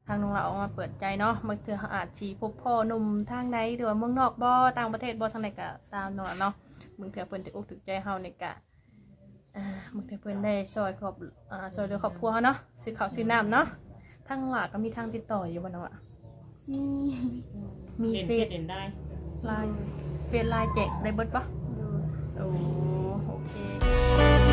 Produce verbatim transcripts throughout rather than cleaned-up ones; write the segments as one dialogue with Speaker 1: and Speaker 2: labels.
Speaker 1: ทางน้องเราออกมาเปิดใจเนาะบางเทื่อเขาอาจสิพบพ่อหนุ่มทางใดหรือว่าเมืองนอกบ่ต่างประเทศบ่ทางใดก็ตามเนาะเนาะบางเทื่อเพิ่นจะอกถูกใจเฮาในกะอ่าบางเทื่อเพิ่นได้ช่วยครอบอ่าช่วยเหลือครอบครัวเฮาเนาะซื้อข้าวซื้อน้ำเนาะทางหลาก็มีทางติดต่ออยู่บ่เนาะอะ
Speaker 2: มี
Speaker 1: มี
Speaker 3: เล่น
Speaker 1: เฟ
Speaker 3: เฟ
Speaker 1: ซ
Speaker 3: ซเล่นได้
Speaker 1: ไลน์เฟซไลน์แจกได้เบิดปะ
Speaker 2: โดย
Speaker 1: โอ้โอเค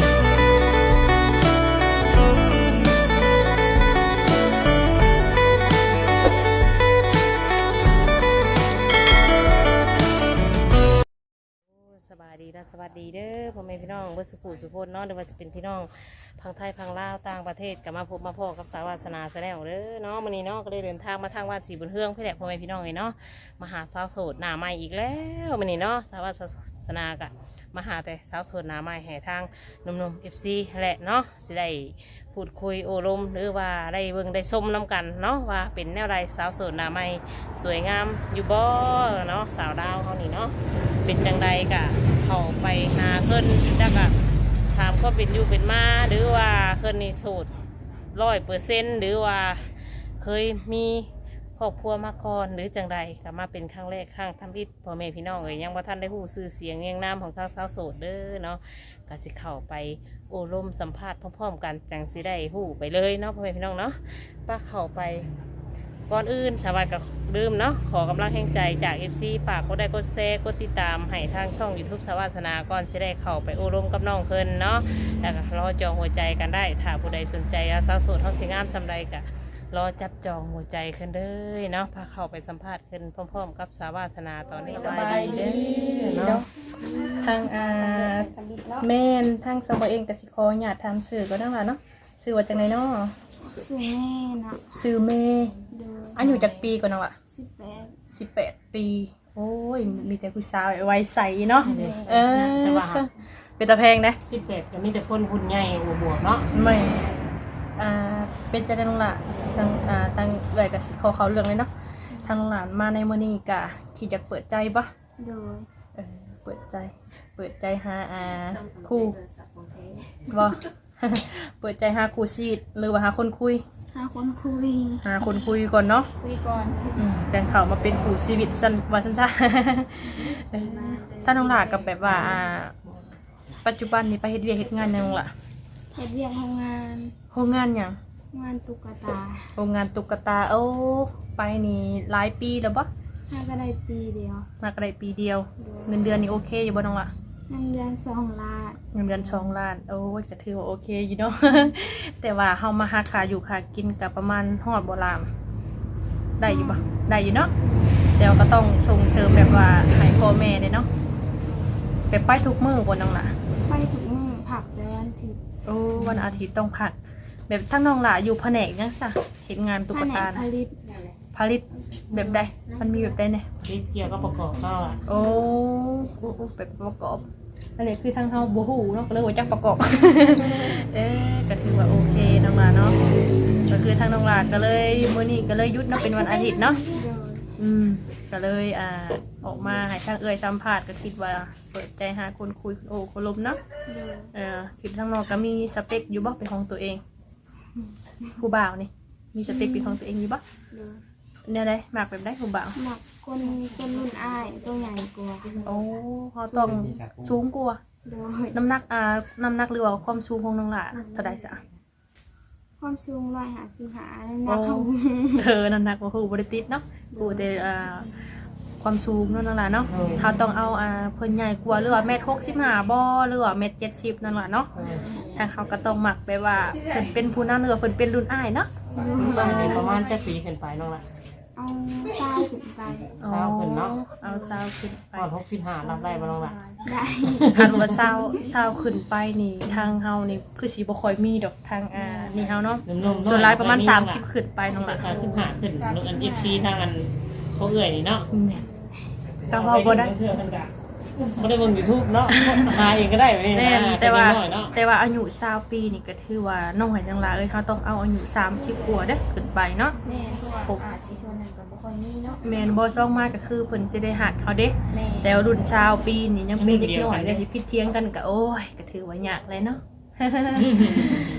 Speaker 1: สบายดีนะสวัสดีเด้อพ่อแม่พี่น้องเบิดสุขุสุพนเนาะหรือว่าจะเป็นพี่น้องพังไทยพังลาวต่างประเทศกับมาพบมาพ่อกับสาวาสนาแสดงเด้อเนาะมื้อนี้เนาะก็ได้เดินทางมาทางวัดศรีบุญเฮืองเพื่อแหละพ่อแม่พี่น้องเลยเนาะมาหาสาวโสดหน้าใหม่อีกแล้วมื้อนี้เนาะสาวาสนากะมาหาแต่สาวโสดหน้าใหม่แห่ทางหนุ่มๆ เอฟ ซี แหละเนาะสิได้พูดคุยโอลมหรือว่าได้เบิ่งได้ส้มน้ำกันเนาะว่าเป็นแนวใดสาวโสดหน้าใหม่สวยงามอยู่บ่เนาะสาวดาวเฮานี่เนาะเป็นจังใดกะเข้าไปหาเพิ่นแล้วก็ถามก็เป็นอยู่เป็นมาหรือว่าเพิ่นนี่โสดร้อยเปอร์เซ็นต์หรือว่าเคยมีครอบครัวมาก่อนหรือจังใดก็มาเป็นครั้งแรกครั้งทำอิฐพ่อแม่พี่น้องเอ้ยยังบ่ทันได้ฮู้ชื่อเสียงเรียงนามของทางสาวโสดเด้อเนาะก็สิเข้าไปโอ้ลมสัมภาษณ์พร้อมๆกันจังสิได้ฮู้ไปเลยเนาะพ่อแม่พี่น้องเนาะป้าเข้าไปก่อนอื่นสวัสดีกับลืมเนาะขอกำลังแห่งใจจาก เอฟ ซี ฝากกดไลค์กดแชร์กดติดตามให้ทางช่อง ยูทูบ สวาสนาก่อนจะได้เข้าไปโอ้ลมกับน้องเพิ่นเนาะแล้วก็รอจองหัวใจกันได้ถ้าผู้ใดสนใจสาวโสดเฮาสิงามสำใดก็รอจับจองหัวใจขึ้นเด้อเนาะพาเข้าไปสัมภาษณ์ขึ้นพร้อมๆกับสาวาสนาตอนนี้สบายดีเด้อเนาะทางอ่าแม่นทางสาวเองก็สิขออนุญาตถามชื่อก็ได้ล่ะเนาะชื่อว่าจังไดเนาะ
Speaker 2: สื่อแม่นะ
Speaker 1: ชื่อเมย์
Speaker 2: โดย
Speaker 1: อายุจักปีก่อนเนาะอะ
Speaker 2: สิบแปด
Speaker 1: สิบแปดปีโอ้ยมีแต่ผู้สาววัยใสเนาะเออ
Speaker 3: แต่ว่า
Speaker 1: เป็นตาแพงนะ
Speaker 3: สิบแปดก็มีแต่คนหุ่นใหญ่หัวบวกเนาะ
Speaker 1: ไม่อ่าเป็นจะได้ลงละทางอ่าทางเอ่ยกับเขาเขาเรื่องเลยเนาะทางหลานมาในมื้อนี้กะที่จะเปิดใจปะ
Speaker 2: โดย
Speaker 1: เออเปิดใจ เปิดใจหาอ่าคู่บ่ เปิดใจหาคู่ชีวิตหรือว่าหาคนคุย
Speaker 2: หาคนคุย
Speaker 1: หาคนคุยก่อนเนาะ
Speaker 2: คุยก่อน
Speaker 1: อืมแต่งเขามาเป็นคู่ชีวิตสันวันสั้นๆ เออถ้าน้องหลากับแบบว่าอ่าปัจจุบันนี้ไปเฮ็ดเวียกเฮ็ดงานหยังล่ะ
Speaker 2: เฮ็ดเรียกโรงงาน
Speaker 1: โรงงานหยัง
Speaker 2: งานตุ๊กตา
Speaker 1: โรงงานตุ๊กตาโอ้ไปนี่หลายปีแล้วปะ
Speaker 2: ห้าก็ได้ปีเดียว
Speaker 1: มากระไรปีเดียว เงินเดือนนี่โอเคอยู่บ่น้องล่ะ
Speaker 2: เงินเดือนสองล้าน
Speaker 1: เงินเดือนสองล้านโอ้ยก็ถือว่าโอเคอยู่เนาะ แต่ว่าเฮามาหาขาอยู่ขากินกับประมาณฮอดบ่ลามได้อยู่ปะได้อยู่เนาะแต่ว่าก็ต้องส่งเสริมแบบว่าให้พ่อแม่เนี่ยเนาะไปไปทุกมื้อบ่น้องล่ะ
Speaker 2: ไปถึงมื้อผักแต่วันอาทิตย์
Speaker 1: โอ้วันอาทิตย์ต้องพัก แบบทั้งน้องล่ะอยู่แผนกยังซะเฮ็ดงานตุ๊กตา
Speaker 2: แผน
Speaker 1: นะ
Speaker 2: ผลิต
Speaker 1: ผลิตแบบใดมันมีแบบใดเนี่ย
Speaker 3: ที่เกี่ยวกับประกอบเข้าอ่ะ
Speaker 1: โอ้โอ้โอ้แบบประกอบอันนี้คือทางเฮาบ่ฮู้เนาะก็เลยว่าจักประกอบ เอ๊ะก็ถือว่าโอเคน้องลาเนาะก็คือทางน้องลาก็เลยมื้อนี้ก็เลยหยุดเนาะเป็นวันอาทิตย์เนาะ
Speaker 2: โดย
Speaker 1: อืมก็เลยอ่าออกมาให้ทางเอ่ยสัมภาษณ์ก็คิดว่าเปิดใจหาคนคุยโอ้คนลมเนาะ
Speaker 2: โดย
Speaker 1: เออคิดทางนอกก็มีสเปคอยู่บ่เป็นของตัวเองผู้บ่าวนี่มีสเปคเป็นของตัวเองอยู่บ่
Speaker 2: โดย
Speaker 1: แนวใดมักแบบใดผู้บ่าว
Speaker 2: หมักคนคนรุ่นอ้ายตัวใหญ่กว่า
Speaker 1: โอ้เฮาต้องสูงกว่า
Speaker 2: โดย
Speaker 1: น้ำหนักอ่าน้ำหนักหรือว่าความสูงของน้องหล่ะเท่าใดจ้ะ
Speaker 2: ความสูงร้อยหาสิบหาหนักเขา
Speaker 1: เออน้ำหนักว่าคือบริติดเนาะกูแต่อ่าความสูงเนาะน้องหล่ะเนาะเขาต้องเอาอ่าเพิ่นใหญ่กว่าหรือว่าเมตรหกสิบห้าบ่หรือว่าเมตรเจ็ดสิบนั่นแหละเนาะทางเขาก็ต้องหมักไปว่าเพิ่นเป็นผู้นำหรือว่าเพิ่นเป็นรุ่นอ้ายเนาะ
Speaker 3: เป็นประมาณจะปีขึ้นไปน้องละ
Speaker 2: เอาเต้าขึ้นไป
Speaker 3: เช้าขึ้นเนาะ
Speaker 1: เอาเศร้าขึ้นไป
Speaker 3: ก่อนหกสิบห้ารับได้บ่น้องละ
Speaker 2: ได้
Speaker 1: คันว่าเศร้าเศร้าขึ้นไปนี่ทางเฮานี่คือสิบ่ค่อยมีดอกทางอ่านี่เฮาเนาะ
Speaker 3: นุ่มๆ
Speaker 1: ส่วนหลายประมาณสามสิบขึ้นไปน้องหล่ะ
Speaker 3: สามสิบห้าขึ้นลูกอันเอฟซีทางอันเขาเอื่อยนี่เนาะ
Speaker 1: เนี่ยก็เว้าบ่ได้
Speaker 3: เพื่อนกันกะบ่ได้เบิ่ง YouTube เนาะหาเองก็ได้แบบนี้
Speaker 1: แน่
Speaker 3: นะ
Speaker 1: แต่ว่า
Speaker 3: เป็นน้อยเนาะ
Speaker 1: แต่ว่าอายุสาวปีนี่ก็ถือว่าน้องหอยจังหลาเอ้ยเขาต้องเอาอายุสามสิบกว่าเด้อขึ้นไปเนาะ
Speaker 2: แม่เพราะว่าอาจสิชวนนั้นก็บ่ค่อยมีเนาะ
Speaker 1: แมนบอซ่องมากก็คือเพิ่นจะได้หักเขาเด้
Speaker 2: แม่
Speaker 1: แต่ว่ารุ่นชาวปีนี่ยังเป็นเด็กน้อยเลยที่พิดเทียงกันก็โอ้ยก็ถือว่ายากเลยเนาะ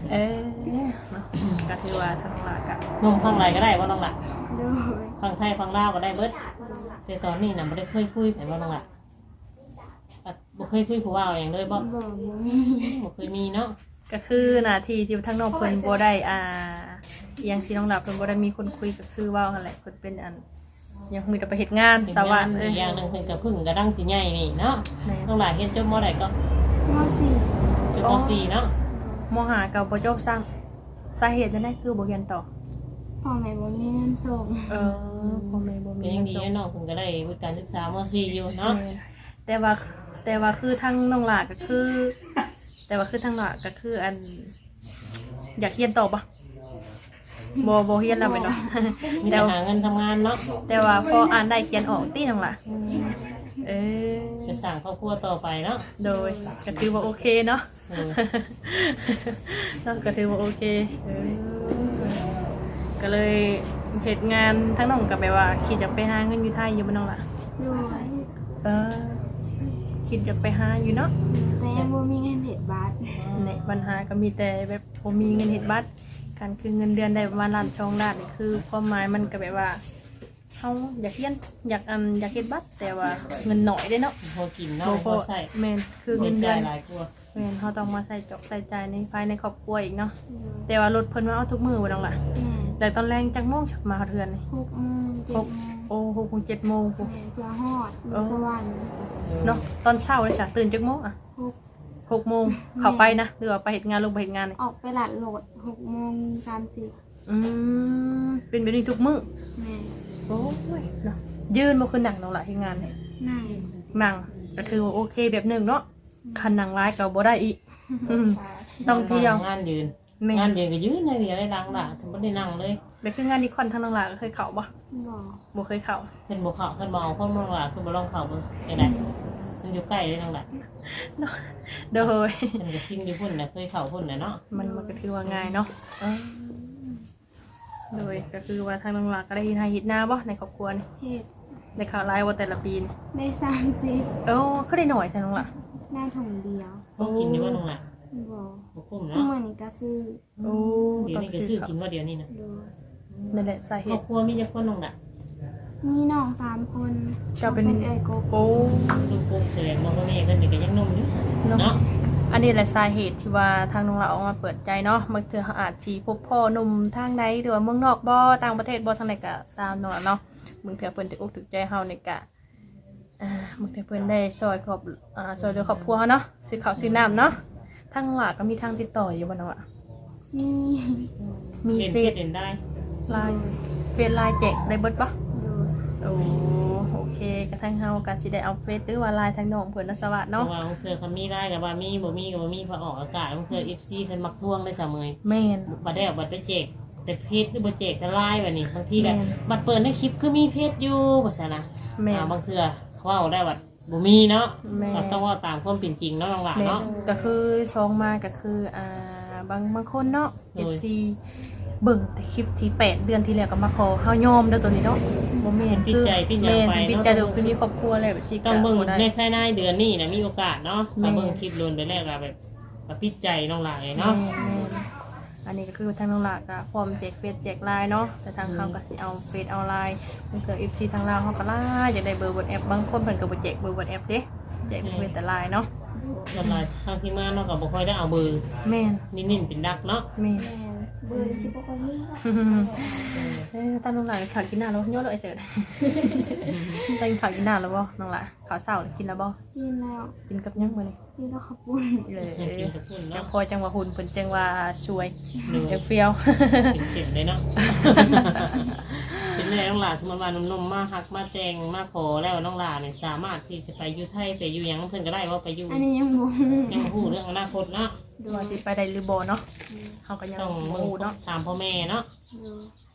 Speaker 4: เออเนาะก็ถือว่าทางหลักอะ
Speaker 3: นมพังไรก็ได้บ่น้องล่ะ
Speaker 2: โดย
Speaker 3: พังไทยพังลาวก็ได้เบิดแต่ตอนนี้น่ะบ่ได้เคยคุยไผบ่น้องล่ะอ่ะบ่เคยคุยผู้ว่าอย่างเลยบ่
Speaker 2: บอกบ่มี
Speaker 3: บ่เคยมีเนาะ
Speaker 4: ก็คือหน้าที่ที่ทางน้องเพิ่นบ่ได้อ่าอหยังที่น้องหลับเพิ่นบ่ได้มีคนคุยก็คือเว้าหั่นแหละเพิ่นเป็นอันยังมีแต่ไปเฮ็ดงานสวรรค์เอ้
Speaker 3: อี
Speaker 4: ย
Speaker 3: กอย่างหนึงเพิ่นก็เพึ่งกระดังสิใหญ่นี่เนาะ
Speaker 4: แม่
Speaker 3: น้องล่ะเฮ็ดจบมอใดก็
Speaker 2: มสี่
Speaker 3: จบมสี่เนาะ
Speaker 4: มหากับบ่จบซ้ำสาเหตุนั่นคือบ่เรียนต่อ
Speaker 2: พ่อแม่บ่มีเงินส่ง
Speaker 4: เออพ่อแม่บ่
Speaker 3: เป็
Speaker 4: มี
Speaker 3: นยัง
Speaker 4: เงิน
Speaker 3: ดี
Speaker 4: ส่ง
Speaker 3: นะน้องเพิ่นก็ได้วุฒิการศึกษามสี่อยู่เนาะ
Speaker 4: แม่แต่ว่าแต่ว่าคือทางน้องหลาก็คือ แต่ว่าคือทางหลาก็คืออัน อยากเรียนต่อปะบ่บ่เรียนแล้วแม่นบ่
Speaker 3: มี
Speaker 4: แต่
Speaker 3: แต่
Speaker 4: ว่า
Speaker 3: หาเงินทำงานเนาะ
Speaker 4: แต่ว่าพออ่านได้เขียนออกติน้องหลาเออ
Speaker 3: จะสร้างครอบครัวต่อไปเนาะ
Speaker 4: โดยก็ถือว่าโอเคเนาะ
Speaker 3: เออ
Speaker 4: เนาะก็ถือว่าโอเคเออก็เลยเหตุงานทั้งน้องกับแบบว่าคิดจะไปหาเงินอยู่ไทยอยู่บ้านน้องล่ะ
Speaker 2: โดย
Speaker 4: เออคิดจะไปหาอยู่เนาะ
Speaker 2: แต่ยังบ่มีเงินเฮ็ดบัตร
Speaker 4: ในปัญหาก็มีแต่แบบผมมีเงินเห็ดบัตรการคือเงินเดือนได้ประมาณล้านช่องล้านนี่คือความหมายมันก็แบบว่าเขาอยากเรียนอยากอันอยากเห็ดบัตรแต่ว่าเงินหน่อยได้เนาะ
Speaker 3: พอกินเนาะ
Speaker 4: บ่
Speaker 3: พอใส่
Speaker 4: แมนคือ
Speaker 3: เงิ
Speaker 4: เงิ
Speaker 3: น
Speaker 4: น
Speaker 3: ใจ
Speaker 4: เดือน
Speaker 3: หลายกว่า
Speaker 4: แมนเขาต้องมาใส่จอกใส่ใจในภายในครอบครัวอีกเนาะแต่ว่ารถเพิ่นมาเอาทุกมือบ่น้องล่ะ
Speaker 2: แม่
Speaker 4: แต่ตอนแรงจักโมงมาเทือนนี่
Speaker 2: หกโมงเจ็ด
Speaker 4: ห
Speaker 2: โม
Speaker 4: ก
Speaker 2: ง
Speaker 4: โอ้หกโมงเจ็ดโมงพู้
Speaker 2: แม่เพื่อฮอดอยู่สวรรค์
Speaker 4: เนาะตอนเช้าเลยจ้ะตื่นจักโมงอ่ะ
Speaker 2: หก
Speaker 4: หกโมงเข้าไปนะหรือว่าไปเฮ็ดงานลงไปเฮ็ดงานนี่
Speaker 2: ออกไปหลัดโหลดหกโมงสามสิบ
Speaker 4: อืมเป็นแบบนี้ทุกมื้อ
Speaker 2: แม่
Speaker 4: โอ้ยเนาะยืนมาคือหนังน้องละที่งานเนี่ย
Speaker 2: นั่ง
Speaker 4: หนังก็ถือว่าโอเคแบบหนึ่งเนาะคันหนังร้ายก็บ่ได้อีกอืมต้องเที่ยว
Speaker 3: งานยืน
Speaker 4: แม่
Speaker 3: งานยืนก็ยืนเลยเดียวได้ดังล่ะถึงบ่ได้นั่งเลย
Speaker 4: แบบคืองานนี้คอนทางน้องละก็เคยเข้าบ่
Speaker 2: บอก
Speaker 4: บ่เคยเข้า
Speaker 3: เพิ่นบ่เข้าเพิ่นบ่เอาคนน้องล่ะเพิ่นบ่ลองเข้าเบิ่งได้ได้มันอยู่ใกล้เลยน้องล่ะ
Speaker 4: เนาะโดย
Speaker 3: เพิ่นก็ชินอยู่พุ่นน่ะเคยเข้าพุ่นน่ะเนาะ
Speaker 4: มันมันก็ถือว่าง่ายเนาะเออโดยก็คือว่าทางน้องละก็ได้เฮ็ดให้เฮ็ดหน้าบ่ในครอบครัวนี่
Speaker 2: เฮ็ด
Speaker 4: ได้ข่าวร้ายว่าแต่ละปีนี่
Speaker 2: ได้สามสิบ
Speaker 4: เอ้าก็ได้หน่อยแต่น้องละ
Speaker 2: หน้าถุงเดียว
Speaker 3: บ่กินอยู่ว่าน้องล่ะ
Speaker 2: บอก
Speaker 3: บ่คุ้ม
Speaker 2: เมื่
Speaker 3: เนาะ
Speaker 2: อนี้ก็ซื้อ
Speaker 4: โอ้
Speaker 3: เดี๋ยวนี้ก็ซื้อกินว่าเดี๋ยวนี้นะ
Speaker 2: ดู
Speaker 4: นั่นแหละสาเห
Speaker 3: ครอบ
Speaker 4: ตุ
Speaker 3: ครัวมีจักคนน้องล่ะ
Speaker 2: มีน้องสามคน
Speaker 4: เจ้าเป็น
Speaker 2: เอ้ยกบ
Speaker 4: โอ้
Speaker 3: ลูกปุ๊กแสดงว่าพ่อแม่เพิ่นนี่ก็ยังหนุ่มอยู่ซั่นเนาะ
Speaker 4: อันนี้แหละสาเหตุที่ว่าทางน้องเราออกมาเปิดใจเนาะบางเทื่อเขาอาจจีพบพ่อหนุ่มทางใดหรือว่าเมืองนอกบ่ต่างประเทศบ่ทางใดก็ตามเนาะเนาะบางเทื่อเพิ่นถูกอกถูกใจเฮาในกะอ่าบางเทื่อเพิ่นได้ช่วยครอบอ่าช่วยเหลือครอบครัวเฮาเนาะซื้อข้าวซื้อน้ำเนาะทางน้องหลาก็มีทางติดต่ออยู่บ่เนาะอะ
Speaker 2: มี
Speaker 4: มี
Speaker 3: เล่น
Speaker 4: เฟ
Speaker 3: เพ
Speaker 4: ซ
Speaker 3: ศเล่นได้
Speaker 4: ไลน์เฟซไลน์แจกได้เบิดปะ
Speaker 2: ดู
Speaker 4: โอ้โอเคกระทั่งเฮาก็สิได้เอาเฟซหรือว่าไลน์ทางน้องเพิ่นนะสวัสดี
Speaker 3: เพ
Speaker 4: เนาะ
Speaker 3: ราะว่าบางเทื่อเขามีได้กับว่ามีบ่มีก็บ่มีพอออกอากาศบางเทื่อ เอฟ ซี เพิ่นมักทวงได้เสมอ
Speaker 4: แม่น
Speaker 3: บัดได้เอาบัดไปแจกแต่เพจหรือบ่แจกแต่ไลน์แบบนี้บางทีก็
Speaker 4: แม่น
Speaker 3: บัดเปิดในคลิปคือมีเพจอยู่ว่าซั่นนะ
Speaker 4: แม่น
Speaker 3: อ่าบางเทื่อเขาเว้าได้ว่าบ่มีเนาะ
Speaker 4: แม่น
Speaker 3: เราต้องเว่าตามความเป็นจริงเนาะน้องหลาน
Speaker 4: แม่น
Speaker 3: เนาะ
Speaker 4: ก็คือซองมาก็คืออ่าบางบางคนเนาะ
Speaker 3: โด
Speaker 4: เอย ฟซีเบิ่งแต่คลิปที่แปดเดือนที่แล้วก็มาขอเฮายอมเด้อตัวนี้เนาะบ่แม่น
Speaker 3: ปิดใจปิดหยัง
Speaker 4: แม่น
Speaker 3: ไป
Speaker 4: ปิด
Speaker 3: เนาะ
Speaker 4: ใจเดี๋ยวคือมีครอบครัวแล้วแบบสิ
Speaker 3: ต้องเบิ่ง
Speaker 4: ได้
Speaker 3: ในภายในเดือนนี้นะมีโอกาสเนาะ
Speaker 4: แม่
Speaker 3: ถ้าเบิ่งคลิปโดนไปแล้วก็แบบก็ปิดใจน้องหลานเลย
Speaker 4: เนาะ
Speaker 3: เนาะ
Speaker 4: อันนี้ก็คือทางน้องหลากก็พร้อมแจกเฟซแจกไลน์เนาะแต่ทางเขาก็สิเอาเฟซเอาไลน์มันเกิด เอฟ ซี ทางลาวเขาก็ล่าอยากได้เบอร์บนแอปบางคนเพิ่นก็บ่แจกเบอร์บนแอปเด้แจกเฟซแต่ไลน์เนาะ
Speaker 3: แล้วก็ทางที่มาเนาะก็บ่ค่อยได้เอาเบอร์
Speaker 4: แม่น
Speaker 3: นิ่นๆเป็นดักเนาะ
Speaker 4: แม่น
Speaker 2: แม่เบอร์สิบกว่านี้
Speaker 4: เอ้ยตาน้องหลาขาวกินหน้าแล้วโยนเลยไอ้เสิร์ตตั้งขาวกินหน้าแล้วบ่น้องหลาขาวเศร้ากินแล้วบ่
Speaker 2: กินแล้ว
Speaker 4: กินกับยังมื้อนี้
Speaker 2: กินแล้วขอบคุณ
Speaker 4: เลย
Speaker 3: กินกับพุ่น
Speaker 4: จั
Speaker 3: เนาะ
Speaker 4: งคอยจังว่าหุ่นเพิ่นจังว่าสวย
Speaker 3: หนึ่ง
Speaker 4: จังเฟี้ยว
Speaker 3: เป็นเสียงเลยเนาะ เป็นแม่น้องหลานสมมติว่านุ่มๆมาหักมาแต่งมาขอแล้วน้องหลานเนี่ยสามารถที่จะไปอยู่ไทยไปอยู่หยังเพิ่นก็ได้ว่าไปอยู่
Speaker 2: อันนี้ยังบ่
Speaker 3: ยังพูดเรื่องอนาคตเนาะ
Speaker 4: ดูว่าสิไปได้หรือบ่เนาะเฮาก็ยัง
Speaker 3: ต้อง
Speaker 4: บ่
Speaker 3: มึง
Speaker 4: รู้เนาะ
Speaker 3: ถามพ่อแม่เนาะ
Speaker 2: ดู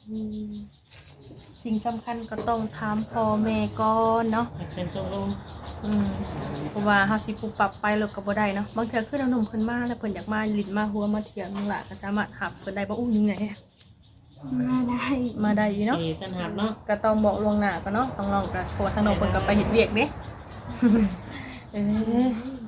Speaker 4: สิ่งสำคัญก็ต้องถามพ่อแม่ก่อนเนาะ
Speaker 3: ให้เป็นตรงลง
Speaker 4: อืมเพราะว่าเฮาสิปรับปรับไปแล้วก็บ่ได้เนาะบางเทื่อคือน้องหนุ่มเพิ่นมาแล้วเพิ่นอยากมาลิ้นมาหัวมาเที่ยวนั่นล่ะก็สามารถหับเพิ่นได้บ่อู้ยังไง
Speaker 2: มาได้
Speaker 4: มาได้อยู่เนาะ
Speaker 3: ที่ตันหับเนาะ
Speaker 4: ก็ต้องบอกล่วงหน้าก่อนเนาะต้องลองกันเพราะว่าทางน้องเพิ่นก็ไปเฮ็ดเวียกเด้ เออ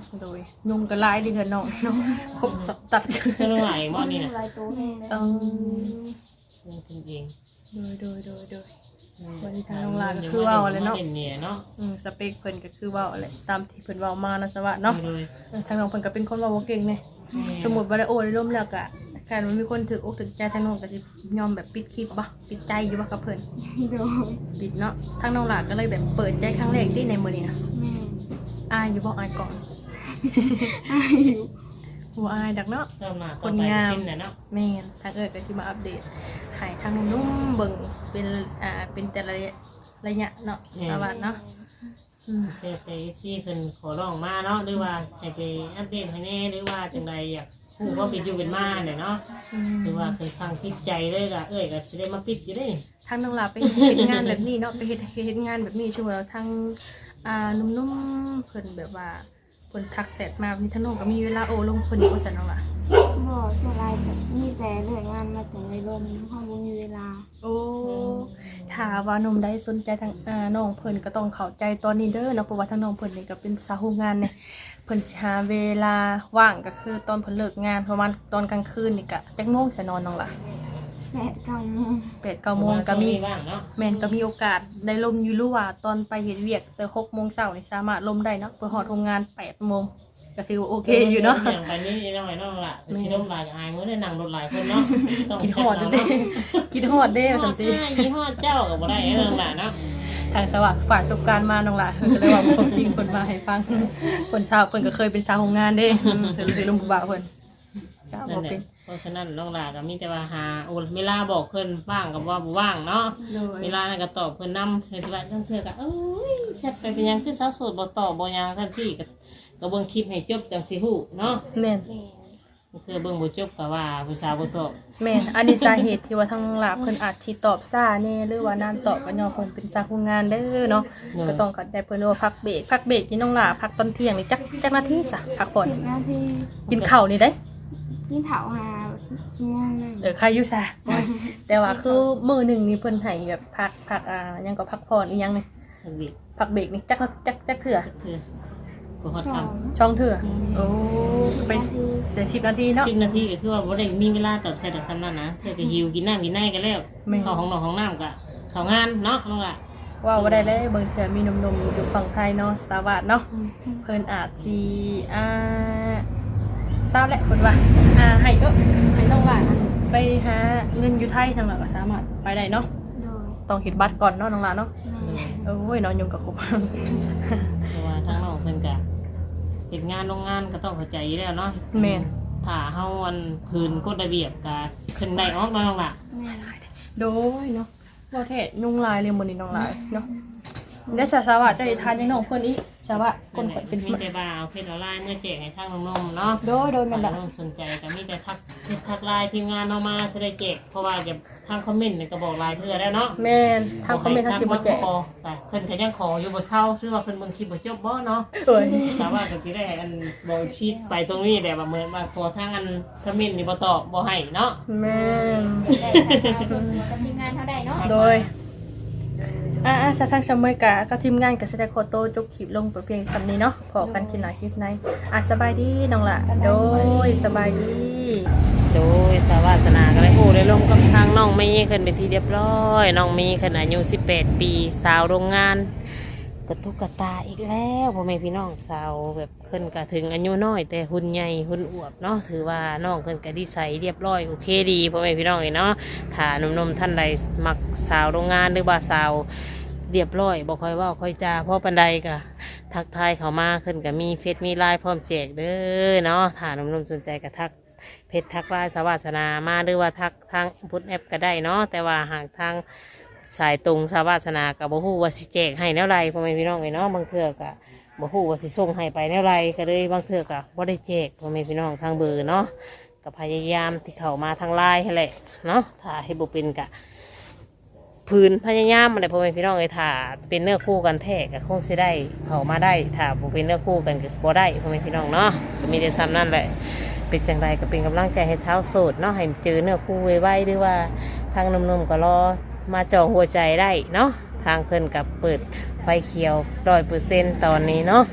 Speaker 4: โดยยุงก็หลายเดือนน้องเนาะครบตัดตัด
Speaker 3: ก็น้องหลาบ่นี่น่ะ
Speaker 2: ลายตัวแห้งเลย
Speaker 4: เออ
Speaker 3: จริง
Speaker 4: โดยโดยโดยโดย
Speaker 3: ๆ
Speaker 4: วันนี้ทางน้องหลาก็คือว่าอะไรเนาะ
Speaker 3: เด่นเนี่ยเนาะ
Speaker 4: อืมสเปคเพิ่นก็คือเว่าอะไรตามที่เพิ่นเว้ามานะสวัสดิ์เนาะ
Speaker 3: โดย
Speaker 4: เออทางน้องเพิ่นก็เป็นคนเว้าบ่เก่งเนี่ยสมมุติว่าได้โอ้ได้ร่มแล้วก็การมันมีคนถืออกถือใจทางน้องก็สิยอมแบบปิดคลิปบ่ปิดใจอยู่บ่กับเพิ่น
Speaker 2: โดย
Speaker 4: ปิดเนาะทางน้องหลาก็เลยแบบเปิดใจครั้งแรกที่ในมื้อนี้นะ
Speaker 2: แม่
Speaker 4: อายอยู่บ่อายก่อน
Speaker 2: อายุ
Speaker 4: บ่อายดักเนาะ
Speaker 3: เริ่มมา
Speaker 4: ค
Speaker 3: ต่อน ไป
Speaker 4: งาม
Speaker 3: สิ้นน่ะเนาะ
Speaker 4: แม่นทางเอิ้นก็สิมาอัปเดตให้ทางนุ่มๆเบิ่งเป็นอ่าเป็นแต่ละระยะเนาะสวัสดิ์เนาะอืม
Speaker 3: แต่แต่ เอฟ ซี เพิ่นขอร้องมาเนาะหรือว่าให้ไปอัปเดตให้แน่หรือว่าจังใดอยากฮู้ว่าเป็นอยู่เป็นมาเนี่ยเนาะ
Speaker 4: อืม
Speaker 3: หรือว่าเพิ่นสั่งปิดใจเลยก็เอ้ยก็สิได้มาปิดอยู่เด้
Speaker 4: ทางน้องหลาไปเฮ็ดงานแบบนี้เนาะไปเฮ็ดเฮ็ดงานแบบนี้ช่วงแล้วทางอ่านุ่มๆเพิ่นแบบว่าเพิ่นทักแชทมามีทางน้องก็มีเวลาโอ้ลงเพิ่นอีกว่าซั่นน้องหล่ะ
Speaker 2: บ่สลายแบบมีแต่เรื่องงานมาแต่ในลมห้องบ่มีเวลา
Speaker 4: โอ้ถ้าว่าหนุ่มได้สนใจทางอ่าน้องเพิ่นก็ต้องเข้าใจตอนนี้เด้อเนาะเพราะว่าทางน้องเพิ่นนี่ก็เป็นสาวโรงงานเนี่ยเพิ่นสิหาเวลาว่างก็คือตอนเพิ่นเลิกงานประมาณตอนกลางคืนนี่ก็จักโมงสินอนน้องหล่ะ
Speaker 2: แปดเก้าโมง
Speaker 4: แปด เก้าโมงก็มี
Speaker 3: บ้างเนาะ
Speaker 4: แม่นก็มีโอกาสได้ลมอยู่รู้ว่าตอนไปเฮ็ดเวียกแต่หกโมงเช้านี่สามารถลมได้เนาะเพื่อฮอดโรงงานแปดโมงก็ถือว่าโอเคอยู่เนาะ
Speaker 3: อย่างไปนี่น้อยน้องล่ะสิลมหลายอายมื้อได้นั่งรถหลายคนเนาะต้อง
Speaker 4: กินฮ
Speaker 3: เช็ค
Speaker 4: อด
Speaker 3: เนาะ
Speaker 4: เด้กินฮอดเด้
Speaker 3: ฮอ
Speaker 4: สั
Speaker 3: ด
Speaker 4: นติ
Speaker 3: หน้ายี่ห้อเจ้าก็บ่ได้เรื่องล่ะเนาะ
Speaker 4: ทางสวัสดิ์ฝ่ายประสบการณ์มาน้องหล่ะก็เลยว่าความจริงเพิ่นมาให้ฟังเพิ่นชาวเพิ่นก็เคยเป็นสาวโรงงานเด้อืมเพิ่นเลยลมบ่าวเพิ่นก็
Speaker 3: นั่
Speaker 4: บ่
Speaker 3: นแห
Speaker 4: เป็
Speaker 3: ละ
Speaker 4: น
Speaker 3: เพราะฉะนั้นน้องล่ะก็มีแต่ว่าหาโอ้เวลาบอกเพิ่นว่างกับว่าบ่ว่างเนาะ
Speaker 4: โดย
Speaker 3: เวลานั้นก็ตอบเพิ่นนำเทื่อที่ว่าเทื่อก็เอ้ยแซ่บไปเป็นหยังคือสาวโสดบ่ตอบบ่หยังซั่นซี่ก็ก็เบิ่งคลิปให้จบจังสิฮู้เนาะ
Speaker 4: แม่น
Speaker 2: แม่
Speaker 3: เทื่อเบิ่งบ่จบก็ว่าผู้สาวบ่ตอบ
Speaker 4: แม่นอันนี้สาเหตุที่ว่าทางน้องหล่ะเพิ่นอาจสิตอบช้าแน่หรือว่านานตอบก็ย้อนเพิ่นเป็นสาวโรงงานเด้อเนาะก็ต้องเข้าใจเพิ่นว่าพักเบรกพักเบรกนี่น้องหล่ะพักตอนเที่ยงนี่จักจักนาทีซะพักผ่อน
Speaker 2: สิบนาที
Speaker 4: กินข้าวนี่ได้
Speaker 2: ยิ่งเถาหาชั่วโมงหนึง
Speaker 4: เออใครอยู่ซะแต่ว่าคือมื้อหนึงนี่เพิ่นให้แบบพักพักอ่าหยังก็พักผ่อนอีหยังนี่
Speaker 3: ทันบิ
Speaker 4: พักเบรกนี่จักนาจักจักเถื่อ
Speaker 3: เทื่อบ่ฮอด
Speaker 2: ส
Speaker 3: คำ
Speaker 2: อง
Speaker 4: ช่องเถื่อโอ้
Speaker 2: สิบ
Speaker 4: เป็น
Speaker 2: นาที
Speaker 4: เสียสิบนาทีเนาะ
Speaker 3: สิบนาทีก็คือว่าบ่ได้มีเวลาตอบแชทดอกซ้ำนั้นนะเทื่อก็หิวกินน้ำกินในกันแล้ว
Speaker 4: แม่
Speaker 3: เข้าห้องนอนห้องน้ำก็เข้างานเนาะน้องล่ะ
Speaker 4: ว่าบ่ได้เลยเบิ่งเถื่อมีหนมๆอยู่ฝั่งไทยเนาะสวัสดเนาะเพิ่นอาจสิอ่าทราบแหละเพิ่นว่าอ่าให้เด้อให้น้องหลานไปหาเงินอยู่ไทยทางหลังก็สามารถไปได้เนาะ
Speaker 2: โดย
Speaker 4: ต้องเฮ็ดบัตรก่อนเนาะน้องหลานเนาะ
Speaker 2: แม่
Speaker 4: โอ้ยนอนยุงกับครบ
Speaker 3: เพราะว่าทางน้องเพิ่นก็เฮ็ดงานโรงงานก็ต้องเข้าใจอยู่แล้วเนาะ
Speaker 4: แม่น
Speaker 3: ถ้าเฮาอันพื้นกฎระเบียบก็ขึ้นได้ออกเนาะน้องล่ะ
Speaker 2: แม่
Speaker 4: โดยเนาะบ่เทศยุงลายเลยมื้อนี้น้องลายเนาะได้สาสวัสดิ์ได้ทานยังน้องเพิ่นอีกสวัสดิ์คนข่อยเป็น
Speaker 3: มีแต่บ่าเอาเพชรออนไลน์เมื่อแจกให้ทางน้องๆเนาะ
Speaker 4: โดยโดยแม่น
Speaker 3: ถ้า
Speaker 4: ละ
Speaker 3: น้องสนใจก็มีแต่ทักทักไลน์ทีมงานเอามาจะได้แจกเพราะว่าจะทางคอมเมนต์นี่ก็บอกไลน์เธอแล้วเนาะ
Speaker 4: แม่นทางคอมเมนต์ทางสิบ่แจก
Speaker 3: ขอแต่เพิ่นก็ยังขออยู่บ่เศร้าหรือว่าเพิ่นเบิ่งคลิปบ่จบบ่เนาะ
Speaker 4: เอ้ย
Speaker 3: สามารถก็สิได้อันบ่ชีดไปตรงนี้แต่ว่าเหมือนว่าพอทางอันคอมเมนต์นี่บ่ตอบบ่ให้เนาะ
Speaker 4: แม่น
Speaker 2: ได้ค่ะส่วนตัวกับทีมงานเท่าใดเนาะ
Speaker 4: โดยอ่าอ่าสถานชมเมยกะก็ทีมงานก็แสดงโคโตจบคลิปลงไปเพียงสำนี้เนาะพอกันทีหน้าคลิปในอ่ะสบายดีน้องละโดยสบายดี
Speaker 1: โดยสาวาสนาก็ได้โอ้ได้ลงกับทางน้องเมย์ขึ้นไปนที่เรียบร้อยน้องเมย์ขึ้นอายุสิบแปดปีสาวโรงงานกระตุกกระตาอีกแล้วพ่อแม่พี่น้องสาวแบบขึ้นกระถึงอายุน้อยแต่หุ่นใหญ่หุ่นอวบเนาะถือว่าน้องขึ้นกระดีใสเรียบร้อยโอเคดีพ่อแม่พี่น้องเนาะถ้าหนุ่มๆท่านใดมักสาวโรงงานหรือว่าสาวเรียบร้อยบอกค่อยเว่าค่อยจาพ่อปันใดกะทักทายเขามาขึ้นกับมีเฟซมีไลน์พร้อมแจกเด้อเนาะถ้าหนุ่มๆสนใจก็ทัก เพจทักไลน์สวัสนามาหรือว่าทักทางพุทธแอปก็ได้เนาะแต่ว่าหากทางสายตรงสวัสนากับบ่ฮู้ว่าสิแจกให้แนวไรพ่อแม่พี่น้องไอ้เนาะบางเทื่อก็บ่ฮู้ว่าสิส่งให้ไปแนวไรก็เลยบางเทื่อก็บ่ได้แจกพ่อแม่พี่น้องทางเบอร์เนาะก็พยายามที่เข้ามาทางไลน์ให้แหละเนาะถ้าให้บ่เป็นก็พื้นพยายามอะไรพ่อแม่พี่น้องไอ้ถ้าเป็นเนื้อคู่กันแท้ก็คงสิได้เข้ามาได้ถ้าบ่เป็นเนื้อคู่กันก็บ่ได้พ่อแม่พี่น้องเนาะก็มีแต่ซ้ำนั่นแหละ เป็นจังไรก็เป็นกำลังใจให้เท้าโสดเนาะให้เจอเนื้อคู่ไวๆหรือว่าทางหนุ่มๆก็รอมาจองหัวใจได้เนาะทางเพิ่นกับเปิดไฟเขียวร้อยเปอร์เซ็นต์ตอนนี้เนาะ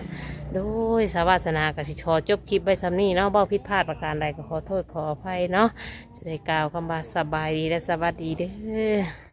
Speaker 1: โดยสาวาสนากสิชอจบคลิปไว้ซ้ำนี้เนาะบ่ผิดพลาดประการใดก็ขอโทษขออภัยเนาะจะได้กล่าวคำว่าสบายดีและสวัสดีเด้อ